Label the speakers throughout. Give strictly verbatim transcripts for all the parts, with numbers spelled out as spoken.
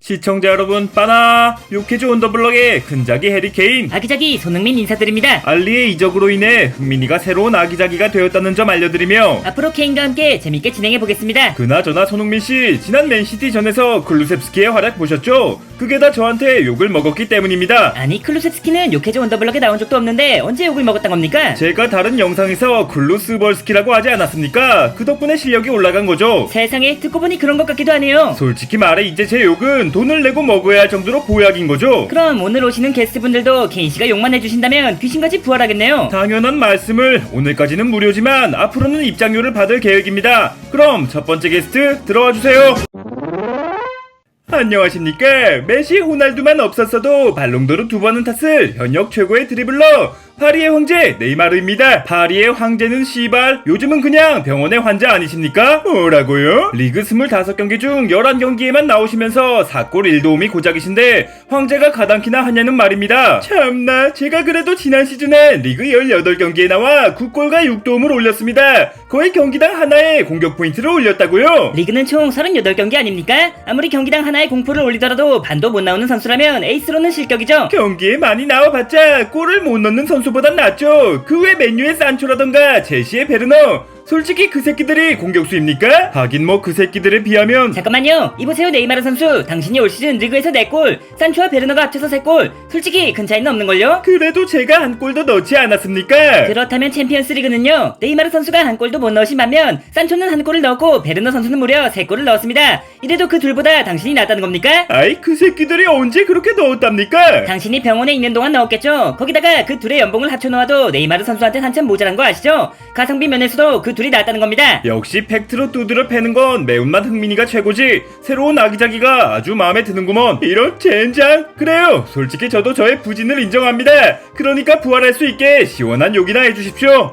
Speaker 1: 시청자 여러분, 빠나 요케즈 온더블럭의 큰자기 해리케인,
Speaker 2: 아기자기 손흥민 인사드립니다.
Speaker 1: 알리의 이적으로 인해 흥민이가 새로운 아기자기가 되었다는 점 알려드리며
Speaker 2: 앞으로 케인과 함께 재밌게 진행해보겠습니다.
Speaker 1: 그나저나 손흥민씨, 지난 맨시티전에서 클루셉스키의 활약 보셨죠? 그게 다 저한테 욕을 먹었기 때문입니다.
Speaker 2: 아니, 클루셉스키는 요케즈 온더블럭에 나온 적도 없는데 언제 욕을 먹었단 겁니까?
Speaker 1: 제가 다른 영상에서 클루스벌스키라고 하지 않았습니까? 그 덕분에 실력이 올라간 거죠.
Speaker 2: 세상에, 듣고 보니 그런 것 같기도 하네요.
Speaker 1: 솔직히 말해 이제 제 욕은 돈을 내고 먹어야 할 정도로 보약인 거죠.
Speaker 2: 그럼 오늘 오시는 게스트분들도 케인씨가 욕만 해주신다면 귀신같이 부활하겠네요.
Speaker 1: 당연한 말씀을. 오늘까지는 무료지만 앞으로는 입장료를 받을 계획입니다. 그럼 첫 번째 게스트 들어와 주세요. 안녕하십니까. 메시, 호날두만 없었어도 발롱도르 두 번은 탔을 현역 최고의 드리블러 파리의 황제 네이마르입니다. 파리의 황제는 씨발 요즘은 그냥 병원의 환자 아니십니까? 뭐라고요? 리그 스물다섯 경기 중 열한 경기에만 나오시면서 사 골 일 도움이 고작이신데 황제가 가당키나 하냐는 말입니다. 참나, 제가 그래도 지난 시즌에 리그 열여덟 경기에 나와 구 골과 육 도움을 올렸습니다. 거의 경기당 하나에 공격 포인트를 올렸다고요?
Speaker 2: 리그는 총 서른여덟 경기 아닙니까? 아무리 경기당 하나에 공포를 올리더라도 반도 못 나오는 선수라면 에이스로는 실격이죠.
Speaker 1: 경기에 많이 나와봤자 골을 못 넣는 선수보단 낫죠. 그 외 맨유의 산초라던가 첼시의 베르너, 솔직히 그 새끼들이 공격수입니까? 하긴 뭐 그 새끼들에 비하면.
Speaker 2: 잠깐만요. 이보세요, 네이마르 선수. 당신이 올 시즌 리그에서 네 골, 산초와 베르너가 합쳐서 세 골. 솔직히 큰 차이는 없는걸요?
Speaker 1: 그래도 제가 한 골도 넣지 않았습니까?
Speaker 2: 그렇다면 챔피언스 리그는요, 네이마르 선수가 한 골도 못 넣으신 반면 산초는 한 골을 넣었고 베르너 선수는 무려 세 골을 넣었습니다. 이래도 그 둘보다 당신이 낫다는 겁니까?
Speaker 1: 아이, 그 새끼들이 언제 그렇게 넣었답니까?
Speaker 2: 당신이 병원에 있는 동안 넣었겠죠. 거기다가 그 둘의 연봉을 합쳐놓아도 네이마르 선수한테 한참 모자란 거 아시죠? 가성비 면에서도 그 둘이 낫다는 겁니다.
Speaker 1: 역시 팩트로 두드려 패는 건 매운맛 흥민이가 최고지. 새로운 아기자기가 아주 마음에 드는구먼. 이런 젠장. 그래요, 솔직히 저도 저의 부진을 인정합니다. 그러니까 부활할 수 있게 시원한 욕이나 해주십시오.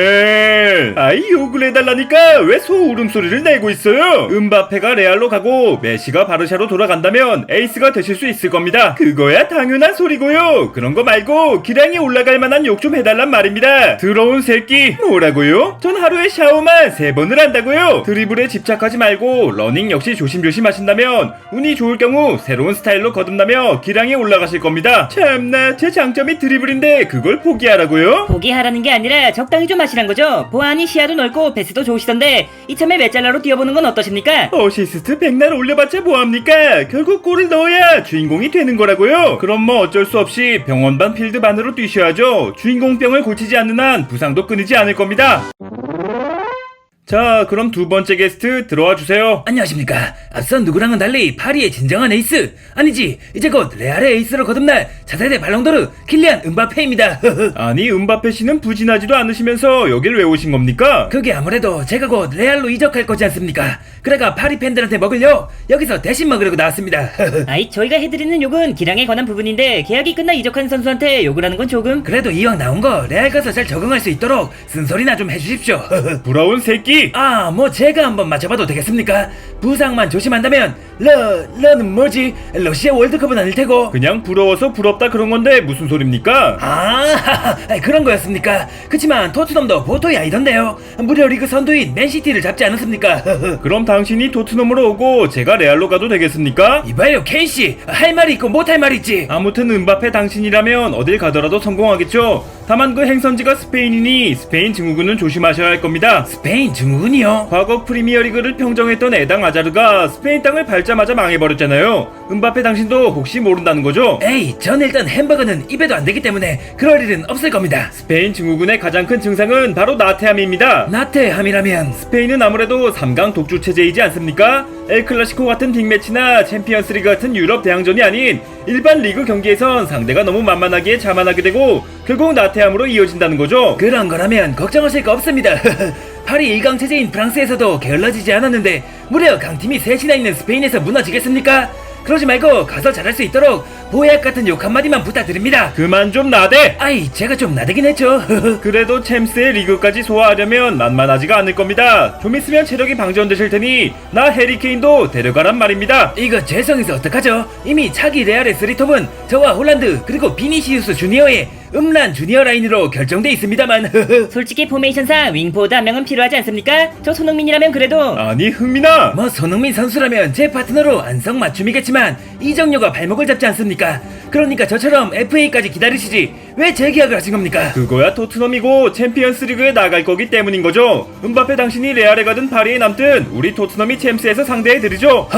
Speaker 1: 음메. 아이, 욕을 해달라니까 왜 소울음소리를 내고 있어요? 음바페가 레알로 가고 메시가 바르샤로 돌아간다면 에이스가 되실 수 있을 겁니다. 그거야 당연한 소리고요. 그런 거 말고 기량이 올라갈 만한 욕 좀 해달란 말입니다. 더러운 새끼. 뭐라고요? 전 하루에 샤워만 세 번을 한다고요. 드리블에 집착하지 말고 러닝 역시 조심조심 하신다면 운이 좋을 경우 새로운 스타일로 거듭나며 기량이 올라가실 겁니다. 참나, 제 장점이 드리블인데 그걸 포기하라고요?
Speaker 2: 포기하라는 게 아니라 적당히 좀 하시란 거죠. 보아하니 시야도 넓고 패스도 좋으시던데 이참에 메짤라로 뛰어보는 건 어떠십니까?
Speaker 1: 어시스트 백날 올려봤자 뭐합니까? 결국 골을 넣어야 주인공이 되는 거라고요. 그럼 뭐 어쩔 수 없이 병원반 필드반으로 뛰셔야죠. 주인공병을 고치지 않는 한 부상도 끊이지 않을 겁니다. 자, 그럼 두 번째 게스트 들어와 주세요.
Speaker 3: 안녕하십니까. 앞선 누구랑은 달리 파리의 진정한 에이스, 아니지 이제 곧 레알의 에이스로 거듭날 차세대 발롱도르 킬리안 음바페입니다.
Speaker 1: 아니, 음바페 씨는 부진하지도 않으시면서 여길 왜 오신 겁니까?
Speaker 3: 그게 아무래도 제가 곧 레알로 이적할 거지 않습니까. 그래가 파리 팬들한테 먹을요 여기서 대신 먹으려고 나왔습니다.
Speaker 2: 아이, 저희가 해드리는 욕은 기량에 관한 부분인데 계약이 끝나 이적한 선수한테 욕을 하는 건 조금.
Speaker 3: 그래도 이왕 나온 거 레알 가서 잘 적응할 수 있도록 쓴소리나 좀 해주십시오.
Speaker 1: 부러운 새끼.
Speaker 3: 아, 뭐 제가 한번 맞춰봐도 되겠습니까? 부상만 조심한다면 러, 러는 뭐지? 러시아 월드컵은 아닐 테고.
Speaker 1: 그냥 부러워서 부럽다 그런 건데 무슨 소립니까?
Speaker 3: 아, 그런 거였습니까? 그치만 토트넘도 보통이 아니던데요. 무려 리그 선두인 맨시티를 잡지 않았습니까?
Speaker 1: 그럼 당신이 토트넘으로 오고 제가 레알로 가도 되겠습니까?
Speaker 3: 이봐요, 케인씨. 할 말이 있고 못할 말이 있지.
Speaker 1: 아무튼 음바페 당신이라면 어딜 가더라도 성공하겠죠. 다만 그 행선지가 스페인이니 스페인 증후군은 조심하셔야 할 겁니다.
Speaker 3: 스페인 증후군이요?
Speaker 1: 과거 프리미어리그를 평정했던 에당 아자르가 스페인 땅을 밟자마자 망해버렸잖아요. 음바페 당신도 혹시 모른다는 거죠?
Speaker 3: 에이, 전 일단 햄버거는 입에도 안 되기 때문에 그럴 일은 없을 겁니다.
Speaker 1: 스페인 증후군의 가장 큰 증상은 바로 나태함입니다.
Speaker 3: 나태함이라면
Speaker 1: 스페인은 아무래도 삼 강 독주 체제이지 않습니까? 엘클라시코 같은 빅매치나 챔피언스리그 같은 유럽 대항전이 아닌 일반 리그 경기에선 상대가 너무 만만하기에 자만하게 되고 결국 나태함으로 이어진다는 거죠.
Speaker 3: 그런 거라면 걱정하실 거 없습니다. 파리 일 강 체제인 프랑스에서도 게을러지지 않았는데 무려 강팀이 셋이나 있는 스페인에서 무너지겠습니까? 그러지 말고 가서 잘할 수 있도록 보약 같은 욕 한마디만 부탁드립니다.
Speaker 1: 그만 좀 나대.
Speaker 3: 아이, 제가 좀 나대긴 했죠.
Speaker 1: 그래도 챔스의 리그까지 소화하려면 만만하지가 않을 겁니다. 좀 있으면 체력이 방전되실 테니 나 해리케인도 데려가란 말입니다.
Speaker 3: 이거 죄송해서 어떡하죠? 이미 차기 레알의 쓰리톱은 저와 홀란드 그리고 비니시우스 주니어의 음란 주니어 라인으로 결정돼 있습니다만.
Speaker 2: 솔직히 포메이션상 윙포워드 한 명은 필요하지 않습니까? 저 손흥민이라면 그래도
Speaker 1: 아니 흥민아,
Speaker 3: 뭐 손흥민 선수라면 제 파트너로 안성맞춤이겠지만 이정료가 발목을 잡지 않습니까? 그러니까 저처럼 에프에이까지 기다리시지 왜 재계약을 하신 겁니까?
Speaker 1: 그거야 토트넘이고 챔피언스 리그에 나갈 거기 때문인 거죠. 음바페 당신이 레알에 가든 파리에 남든 우리 토트넘이 챔스에서 상대해드리죠.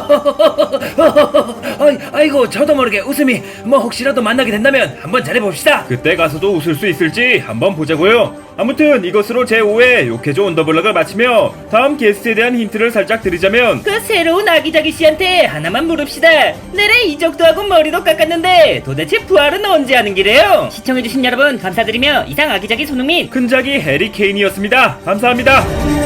Speaker 3: 아이, 아이고 저도 모르게 웃음이 뭐 혹시라도 만나게 된다면 한번 잘해봅시다.
Speaker 1: 그때 가서도 웃을 수 있을지 한번 보자고요. 아무튼 이것으로 제오 회 욕해줘 언더블럭을 마치며 다음 게스트에 대한 힌트를 살짝 드리자면
Speaker 2: 그 새로운 아기자기 씨한테 하나만 물읍시다. 내래 이적도 하고 머리도 깎았는데 도대체 부활은 언제 하는 기래요? 시청해주신 여러분 감사드리며 이상 아기자기 손흥민
Speaker 1: 큰작이 해리 케인이었습니다. 감사합니다.